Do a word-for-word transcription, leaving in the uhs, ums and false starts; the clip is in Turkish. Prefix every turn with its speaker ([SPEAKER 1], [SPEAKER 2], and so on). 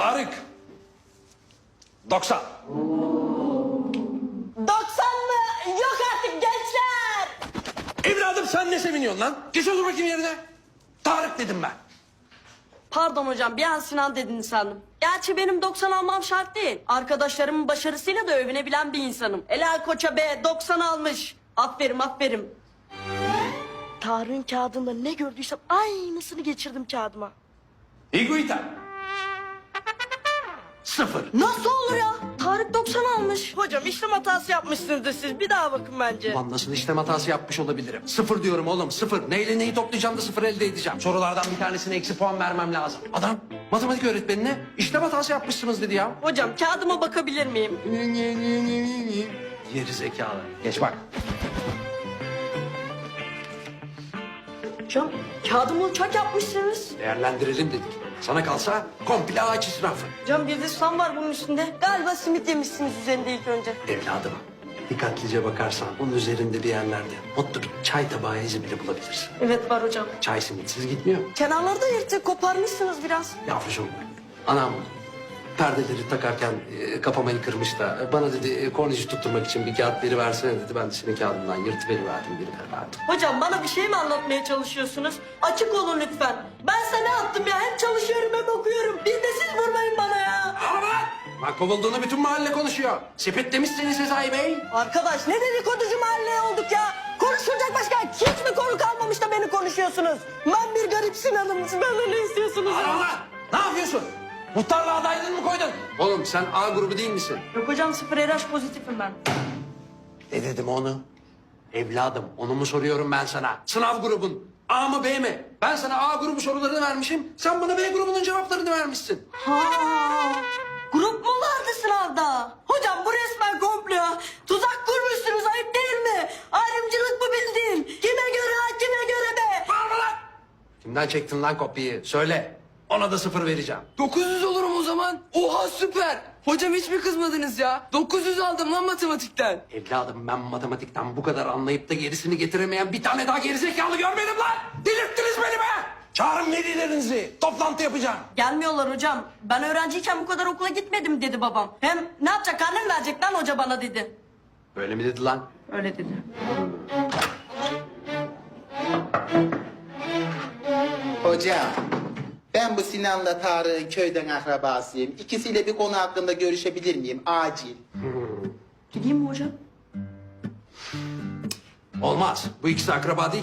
[SPEAKER 1] Tarık. doksan.
[SPEAKER 2] doksan mı? Yok artık gençler.
[SPEAKER 1] Evladım sen ne seviniyorsun lan? Geç otur bakayım yerine. Tarık dedim ben.
[SPEAKER 2] Pardon hocam, bir an Sinan dediniz sandım. Gerçi benim doksan almam şart değil. Arkadaşlarımın başarısıyla da övünebilen bir insanım. Helal koça be, doksan almış. Aferin aferin. Tarık'ın kağıdında ne gördüysem aynısını geçirdim kağıdıma.
[SPEAKER 1] İguita. Sıfır.
[SPEAKER 2] Nasıl olur ya? Tarık doksan almış. Hocam işlem hatası yapmışsınızdır siz. Bir daha bakın bence.
[SPEAKER 1] Ulan nasıl işlem hatası yapmış olabilirim? Sıfır diyorum oğlum, sıfır. Neyle neyi toplayacağım da sıfır elde edeceğim. Sorulardan bir tanesine eksi puan vermem lazım. Adam matematik öğretmenine işlem hatası yapmışsınız dedi ya.
[SPEAKER 2] Hocam kağıdıma bakabilir miyim?
[SPEAKER 1] Geri zekalı. Geç bak.
[SPEAKER 2] Hocam kağıdımı uçak yapmışsınız.
[SPEAKER 1] Değerlendirelim dedik. Sana kalsa komple ağaç israfı.
[SPEAKER 2] Hocam bir de susam var bunun üstünde. Galiba simit yemişsiniz üzerinde ilk önce.
[SPEAKER 1] Evladım, dikkatlice bakarsan onun üzerinde bir yerlerde mutlu bir çay tabağı izi bile bulabilirsin.
[SPEAKER 2] Evet var hocam.
[SPEAKER 1] Çay simitsiz gitmiyor.
[SPEAKER 2] Kenarları da yırtık, koparmışsınız biraz.
[SPEAKER 1] Yavrucuğum, anam perdeleri takarken e, kapamayı kırmış da e, bana dedi e, kornici tutturmak için bir kağıt veri versene dedi. Ben de senin kağıdından yırtıveriverdim, geri verdim.
[SPEAKER 2] Hocam bana bir şey mi anlatmaya çalışıyorsunuz? Açık olun lütfen. Ben sana ne yaptım ya? Hem çalışıyorum hem okuyorum. Bir de siz vurmayın bana ya.
[SPEAKER 1] Bak kovulduğunu bütün mahalle konuşuyor. Sepet demiş seni Sezai Bey.
[SPEAKER 2] Arkadaş ne dedikoducu mahalle olduk ya? Konuşulacak başka hiç mi konu kalmamış da beni konuşuyorsunuz? Ben bir garip Sinan'ım. Benden ne istiyorsunuz?
[SPEAKER 1] Ana ulan! Ne yapıyorsun? Muhtarlığa adaylığını mı koydun? Oğlum sen A grubu değil misin?
[SPEAKER 2] Yok hocam sıfır R H pozitifim ben.
[SPEAKER 1] Ne dedim onu? Evladım onu mu soruyorum ben sana? Sınav grubun A mı B mi? Ben sana A grubu sorularını vermişim. Sen bana B grubunun cevaplarını vermişsin.
[SPEAKER 2] Ha, grup mu vardı sınavda? Hocam bu resmen komplo. Tuzak kurmuşsunuz ayıp değil mi? Ayrımcılık mı bildin? Kime göre ha kime göre be?
[SPEAKER 1] Bağırma lan! Kimden çektin lan kopyayı? Söyle. Ona da sıfır vereceğim.
[SPEAKER 3] dokuz yüz olurum o zaman. Oha süper. Hocam hiç mi kızmadınız ya? dokuz yüz aldım lan matematikten.
[SPEAKER 1] Evladım ben matematikten bu kadar anlayıp da gerisini getiremeyen bir tane daha gerizekalı görmedim lan! Delirttiniz beni be! Çağırın velilerinizi. Toplantı yapacağım.
[SPEAKER 2] Gelmiyorlar hocam. Ben öğrenciyken bu kadar okula gitmedim dedi babam. Hem ne yapacak karnem verecek lan hoca bana dedi.
[SPEAKER 1] Öyle mi dedi lan?
[SPEAKER 2] Öyle dedi.
[SPEAKER 4] Hocam, ben bu Sinan'la Tarık'ın köyden akrabasıyım. İkisiyle bir konu hakkında görüşebilir miyim? Acil.
[SPEAKER 2] Gideyim mi hocam?
[SPEAKER 1] Olmaz. Bu ikisi akraba değil.